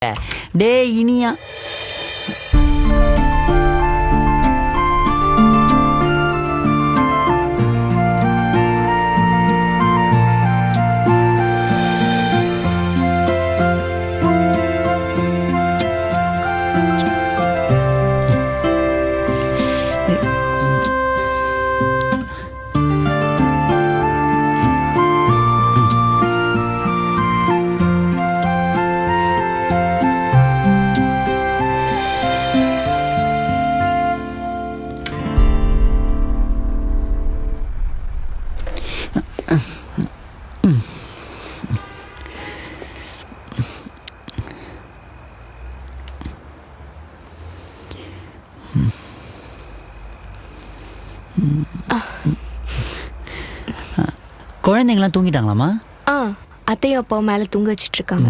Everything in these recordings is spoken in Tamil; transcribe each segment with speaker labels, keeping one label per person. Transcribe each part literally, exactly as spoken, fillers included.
Speaker 1: டே இனியா குழந்தைங்களாம் தூங்கிட்டாங்களாமா?
Speaker 2: ஆ அத்தையும் அப்பாவும் மேலே தூங்க வச்சிட்டு இருக்காங்க.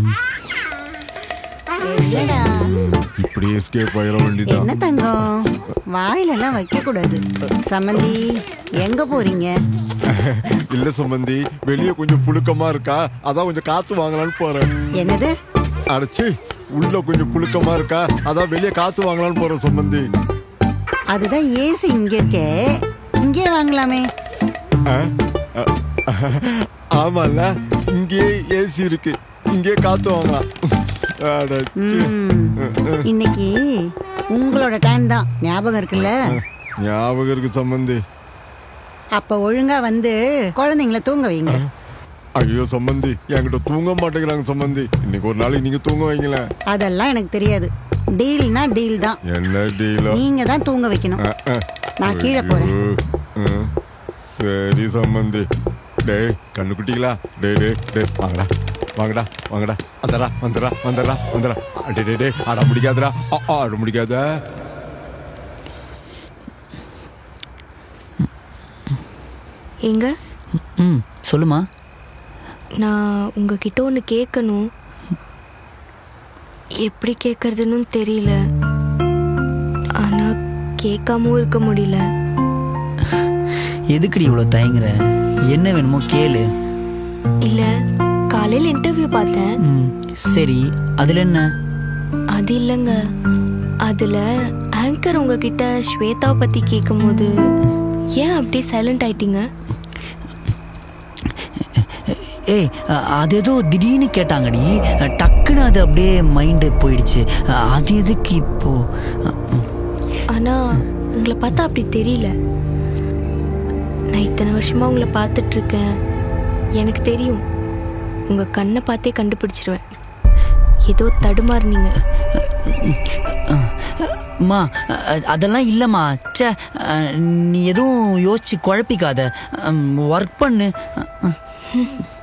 Speaker 3: இப்படி எஸ்கேப் ஆயிர வேண்டியதா?
Speaker 4: என்ன தங்கம் வாயிலெல்லாம் வைக்க கூடாது. சம்மந்தி எங்க போறீங்க?
Speaker 3: இல்ல சம்பந்தி, வெளியே கொஞ்சம் புழுக்கமா இருக்கா, அதான் கொஞ்சம் காத்து வாங்கலான்னு போறேன்.
Speaker 4: என்னது?
Speaker 3: அடைச்சி உள்ள கொஞ்சம் புழுக்கமா இருக்கா, அதான் வெளியே காத்து வாங்கலான்னு போறேன் சம்பந்தி.
Speaker 4: அதுதான் ஏசி இங்க இருக்கே, இங்கே வாங்கலாமே.
Speaker 3: ஆமால, இங்கே ஏசி இருக்கு, இங்கே காத்து வாங்கலாம்.
Speaker 4: இன்னைக்கு உங்களோட டைம் தான், ஞாபகம் இருக்குல்ல?
Speaker 3: ஞாபகம் இருக்கு சம்பந்தி.
Speaker 4: அப்ப ஒழுங்கா வந்து குழந்தைங்கள தூங்க வைங்க.
Speaker 3: ஐயோ சம்பந்தி, என்கிட்ட தூங்க மாட்டேங்கிறாங்க சம்பந்தி. இன்னைக்கு ஒரு நாளைக்கு நீங்க தூங்க வைங்களேன்.
Speaker 4: அதெல்லாம் எனக்கு தெரியாது. டீல்னா டீல் தான்.
Speaker 3: என்ன டீலோ?
Speaker 4: நீங்க தான் தூங்க வைக்கணும். நான் கீழே போறேன்.
Speaker 3: சரி சம்பந்தி. டேய் கண்ணுக்குட்டிங்களா, டே டே டே வாங்கடா வாங்கடா வாங்கடா, அதரா வந்துடா வந்துடா வந்துடா. டே டே டே ஆட முடிக்காதடா, ஆட முடிக்காத.
Speaker 2: எங்க?
Speaker 1: ம் சொல்லுமா.
Speaker 2: நான் உங்ககிட்ட ஒன்று கேட்கணும். எப்படி கேட்கறதுன்னு தெரியல, ஆனால் கேட்காமவும் இருக்க முடியல.
Speaker 1: எதுக்குடி இவ்வளோ தயங்குற? என்ன வேணுமோ கேளு.
Speaker 2: இல்லை, காலையில் இன்டர்வியூ பார்த்தேன்.
Speaker 1: ம் சரி, அதில் என்ன?
Speaker 2: அது இல்லைங்க, அதில் ஆங்கர் உங்ககிட்ட ஸ்வேதாவை பற்றி கேட்கும்போது ஏன் அப்படியே சைலண்ட் ஆயிட்டீங்க?
Speaker 1: ஏய், அது ஏதோ திடீர்னு கேட்டாங்கடி, டக்குன்னு அது அப்படியே மைண்டு போயிடுச்சு. அது எதுக்கு இப்போ?
Speaker 2: ஆனால் உங்களை பார்த்தா அப்படி தெரியல. நான் இத்தனை வருஷமாக உங்களை பார்த்துட்ருக்கேன், எனக்கு தெரியும். உங்கள் கண்ணை பார்த்தே கண்டுபிடிச்சிருவேன். ஏதோ தடுமாறுனீங்க.
Speaker 1: அம்மா அதெல்லாம் இல்லைம்மா. சே, நீ எதுவும் யோசிச்சு குழப்பிக்காத, ஒர்க் பண்ணு.